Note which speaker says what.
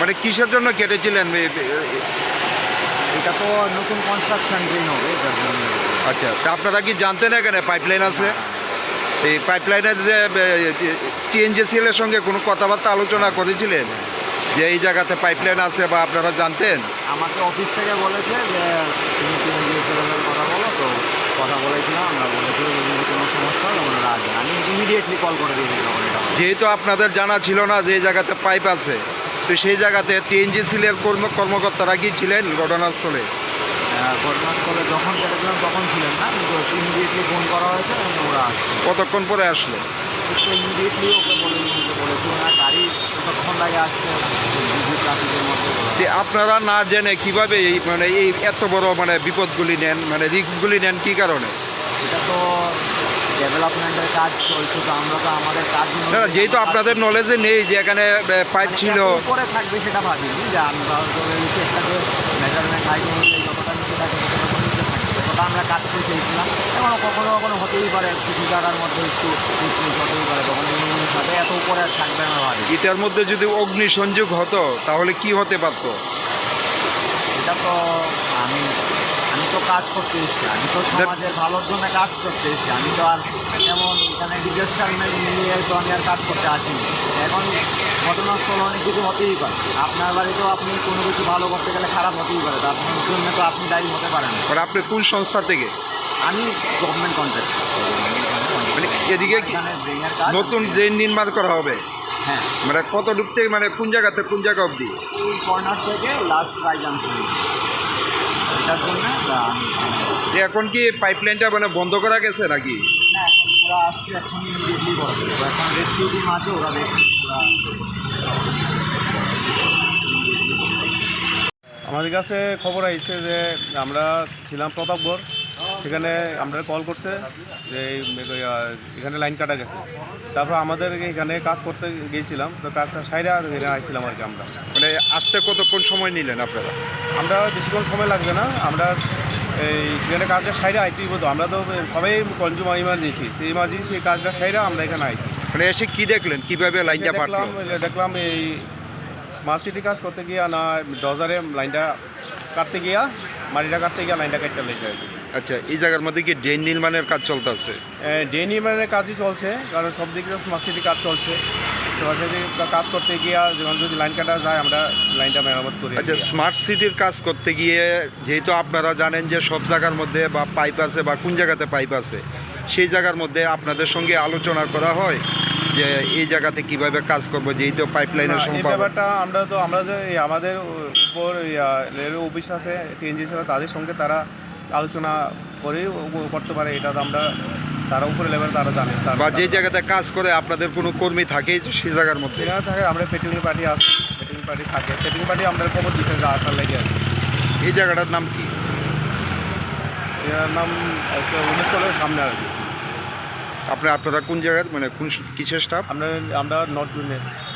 Speaker 1: মানে কিসের জন্য কেটেছিলেন?
Speaker 2: এটা তো নতুন কনস্ট্রাকশন ড্রেন হবে এটার জন্য।
Speaker 1: আচ্ছা, তা আপনারা কি জানতেন এখানে পাইপলাইন আছে? এই পাইপলাইনের যে টিএনজিসিএল এর সঙ্গে কোনো কথাবার্তা আলোচনা করেছিলেন যে এই জায়গাতে পাইপলাইন আছে, বা আপনারা জানতেন?
Speaker 2: আমাকে অফিস থেকে বলেছে যে তুমি টিএনজিএসএলের কথা বলো, তো কথা বলেছিলাম, আমরা বলেছি যদি কোনো সমস্যা হয় ওনারা আসবেন। আমি ইমিডিয়েটলি কল করে দিয়েছিলাম এটা।
Speaker 1: যেহেতু আপনাদের জানা ছিল না যে এই জায়গাতে পাইপ আছে, তো সেই জায়গাতে টিএনজিসিএল এর কর্মকর্তারা কি ছিলেন ঘটনাস্থলে?
Speaker 2: ঘটনাস্থলে যখন কেটেছিলাম তখন ছিলেন না, কিন্তু ইমিডিয়েটলি ফোন করা হয়েছে এবং ওরা আসছে।
Speaker 1: কতক্ষণ পরে আসলো?
Speaker 2: ইমিডিয়েটলি ওকে বলেছি ওনার গাড়ি কতক্ষণ লাগে আসছে ট্রাফিকের মধ্যে।
Speaker 1: যে আপনারা না জেনে কিভাবে এই মানে এই এত বড় মানে বিপদগুলি নেন, মানে রিস্কগুলি নেন কি কারণে?
Speaker 2: এটা তো ডেভেলপমেন্টের কাজ চলছে, তো আমরা তো আমাদের কাজ
Speaker 1: না, যেহেতু আপনাদের নলেজে নেই যে এখানে পাইপ ছিল।
Speaker 2: উপরে থাকবে সেটা ভাবিনি, যে আমরা চেষ্টা করে মেজারমেন্ট হাইট অনুযায়ী যতটা নিচে থাকে ততটা নিচে থাকবে, ততটা আমরা কাজ করে চেয়েছিলাম। এবং কখনো কখনো হতেই পারে কিছু জায়গার মধ্যে একটু হতেই পারে, তখন সাথে এত উপরে থাকবে আমরা ভাবি।
Speaker 1: এটার মধ্যে যদি অগ্নিসংযোগ হতো তাহলে কি হতে পারতো?
Speaker 2: এটা তো আমি আমি তো কাজ করতে এসেছি, আমি তো সমাজের ভালোর জন্য কাজ করতে এসেছি। আমি তো আর এমন এখানে ডিজাস্টার মিলিয়ে তো আমি আর কাজ করতে আসিনি। এখন ঘটনাস্থল অনেক কিছু হতেই পারে, আপনার বাড়িতেও আপনি কোনো কিছু ভালো করতে গেলে খারাপ হতেই পারে, তো আপনার জন্য তো আপনি দায়ী হতে পারেন।
Speaker 1: মানে আপনি কোন সংস্থা থেকে?
Speaker 2: আমি গভর্নমেন্ট কন্ট্রাক্ট।
Speaker 1: মানে এদিকে নতুন ড্রেন নির্মাণ করা হবে?
Speaker 2: হ্যাঁ।
Speaker 1: মানে কত ডুবতে, মানে কোন জায়গাতে কোন জায়গা অবধি?
Speaker 2: এই কর্নার থেকে লাস্ট প্রায় জাংশন, এটার জন্য আমি
Speaker 1: যে এখন কি পাইপলাইনটা মানে বন্ধ করা গেছে নাকি?
Speaker 2: না, এখন ওরা আসছে, এখন ইমিডিয়েটলি করে দেবে। এখন রেস্কিউ টিম আছে, ওরা
Speaker 3: আমাদের কাছে খবর আইছে যে আমরা ছিলাম প্রতাপগড়, সেখানে আমরা কল করছে যে এখানে লাইন কাটা গেছে। তারপর আমাদের এখানে কাজ করতে গিয়েছিলাম, তো কাজটা সাইডে এখানে আইছিলাম আর কি। আমরা
Speaker 1: মানে আসতে কতক্ষণ সময় নিলেন আপনারা?
Speaker 3: আমরা বেশিক্ষণ সময় লাগবে না, আমরা এই সেখানে কাজটা সাইডে আইতেই হতো। আমরা তো সবাই কনজিউমার ইমার্জেন্সি, সেই ইমার্জেন্সি এই কাজটা সাইডে আমরা এখানে আইছি।
Speaker 1: মানে এসে কি দেখলেন, কিভাবে লাইনটা পাঠলো?
Speaker 3: দেখলাম এই স্মার্ট সিটি কাজ করতে গিয়া না ডজারে লাইনটা কাটতে গিয়া, মাটিটা কাটতে গিয়া লাইনটা কাটতে লেগে আর কি।
Speaker 1: আচ্ছা, এই জায়গার মধ্যে কি ড্রেন নির্মাণের কাজ চলতেছে?
Speaker 3: ড্রেন নির্মাণের কাজই চলছে, কারণ সব দিকে স্মার্ট সিটি কাজ চলছে। স্মার্ট সিটি কাজ করতে গিয়া যখন যদি লাইন কাটা যায় আমরা লাইনটা মেরামত করি।
Speaker 1: আচ্ছা, স্মার্ট সিটির কাজ করতে গিয়ে যেহেতু আপনারা জানেন যে সব জায়গার মধ্যে বা পাইপ আছে বা কোন জায়গাতে পাইপ আছে, সেই জায়গার মধ্যে আপনাদের সঙ্গে আলোচনা করা হয় যে এই জায়গাতে কিভাবে কাজ করবো, যেহেতু পাইপলাইনের
Speaker 3: এই ব্যাপারটা আমরা যে আমাদের উপর রেলওয়ে অফিস আছে, টিএনজিসি তাদের সঙ্গে তারা আলোচনা করেই করতে পারে। এটা তো আমরা তারা উপরে লেভেল তারা জানে।
Speaker 1: বা যে জায়গাতে কাজ করে আপনাদের কোনো কর্মী থাকেই সেই জায়গার মধ্যে?
Speaker 3: সেখানে থাকে, আমরা পেট্রোলিং পার্টি আছে, পেট্রোলিং পার্টি থাকে, পেট্রোলিং পার্টি আমাদের খবর দিতে যা আসার লেগে আছে।
Speaker 1: এই জায়গাটার নাম কি?
Speaker 3: এর নাম উমেশকলের সামনে আর কি।
Speaker 1: আপনারা কোন জায়গার, মানে কোন কিসের স্টাফ?
Speaker 3: আমরা নর্থ জুনে।